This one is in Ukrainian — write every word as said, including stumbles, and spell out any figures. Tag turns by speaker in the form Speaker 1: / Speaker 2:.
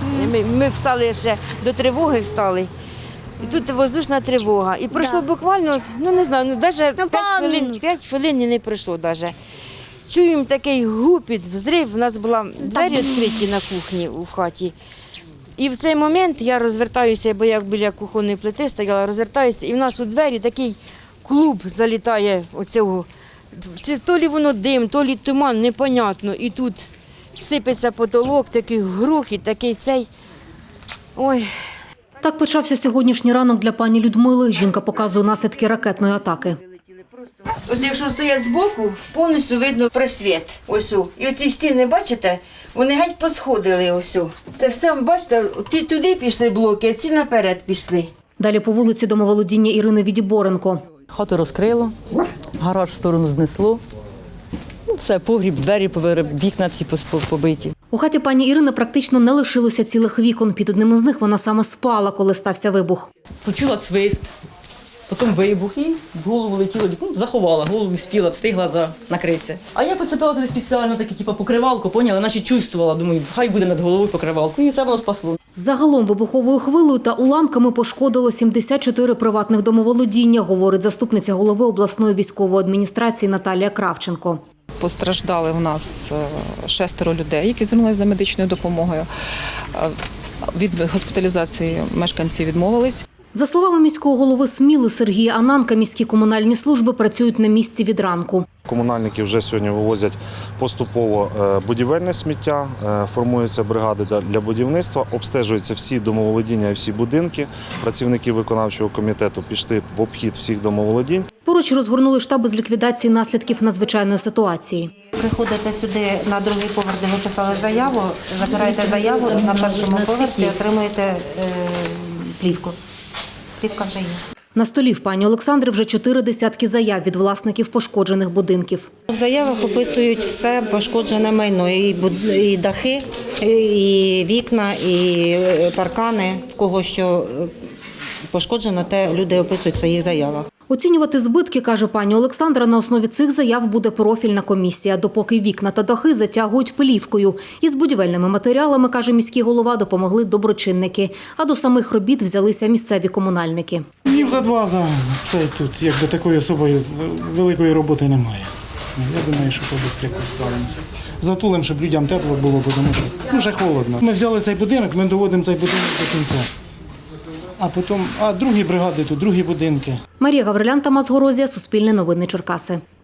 Speaker 1: Ми, ми встали ще до тривоги встали. І тут воздушна тривога. І пройшло
Speaker 2: Да.
Speaker 1: буквально, ну не знаю, ну навіть
Speaker 2: Ну,
Speaker 1: п'ять
Speaker 2: пару
Speaker 1: хвилин,
Speaker 2: минут.
Speaker 1: п'ять хвилин і не пройшло навіть. Чуємо такий гупіт, взрив. У нас була двері відкриті на кухні у хаті. І в цей момент я розвертаюся, бо я біля кухонної плити стояла, розвертаюся, і в нас у двері такий клуб залітає оцього. Чи то лі воно дим, то лі туман, непонятно. І тут сипеться потолок, такий грохіт, такий цей. Ой.
Speaker 3: Так почався сьогоднішній ранок для пані Людмили. Жінка показує наслідки ракетної атаки.
Speaker 1: Ось якщо стоять збоку, повністю видно просвіт. Ось. о. І оці стіни, бачите, вони геть посходили. Ось. о. Це все, бачите, ті туди пішли блоки, а ці наперед пішли.
Speaker 3: Далі по вулиці домоволодіння Ірини Відіборенко.
Speaker 4: Хату розкрило, гараж в сторону знесло. Ну, все, погріб, двері повироб, вікна всі пос- побиті.
Speaker 3: У хаті пані Ірини практично не лишилося цілих вікон. Під одним із них вона саме спала, коли стався вибух.
Speaker 4: Почула свист, потім вибух і в голову летіло, ну, заховала, голову спіла, встигла за... накритися. А я поцепила туди спеціально таке, типу, покривалку, поняла, наче чувствувала, думаю, хай буде над головою покривалку, і це воно спасло.
Speaker 3: Загалом вибуховою хвилею та уламками пошкодило сімдесят чотири приватних домоволодіння, говорить заступниця голови обласної військової адміністрації Наталія Кравченко.
Speaker 5: Постраждали у нас шестеро людей, які звернулися за медичною допомогою. Від госпіталізації мешканці відмовились.
Speaker 3: За словами міського голови Сміли Сергія Ананка, міські комунальні служби працюють на місці від ранку.
Speaker 6: Комунальники вже сьогодні вивозять поступово будівельне сміття, формуються бригади для будівництва, обстежуються всі домоволодіння і всі будинки. Працівники виконавчого комітету пішли в обхід всіх домоволодінь.
Speaker 3: Поруч розгорнули штаби з ліквідації наслідків надзвичайної ситуації.
Speaker 7: Приходите сюди на другий поверх, де ви писали заяву, забираєте заяву і на першому поверсі отримуєте е, плівку. Плівка вже є.
Speaker 3: На столі в пані Олександри вже чотири десятки заяв від власників пошкоджених будинків.
Speaker 7: В заявах описують все пошкоджене майно, і, буд- і дахи, і вікна, і паркани. В кого що пошкоджено, те люди описують в своїх заявах.
Speaker 3: Оцінювати збитки, каже пані Олександра, на основі цих заяв буде профільна комісія, допоки вікна та дахи затягують плівкою. Із будівельними матеріалами, каже міський голова, допомогли доброчинники. А до самих робіт взялися місцеві комунальники.
Speaker 8: Днів за два за це тут якби такої особої великої роботи немає. Я думаю, що побистріше справимося. Затулим, щоб людям тепло було, тому що ну, вже холодно. Ми взяли цей будинок, ми доводимо цей будинок до кінця. А потім, а другі бригади тут, другі будинки.
Speaker 3: Марія Гаврилян, Тамас Горозія, Суспільне новини Черкаси.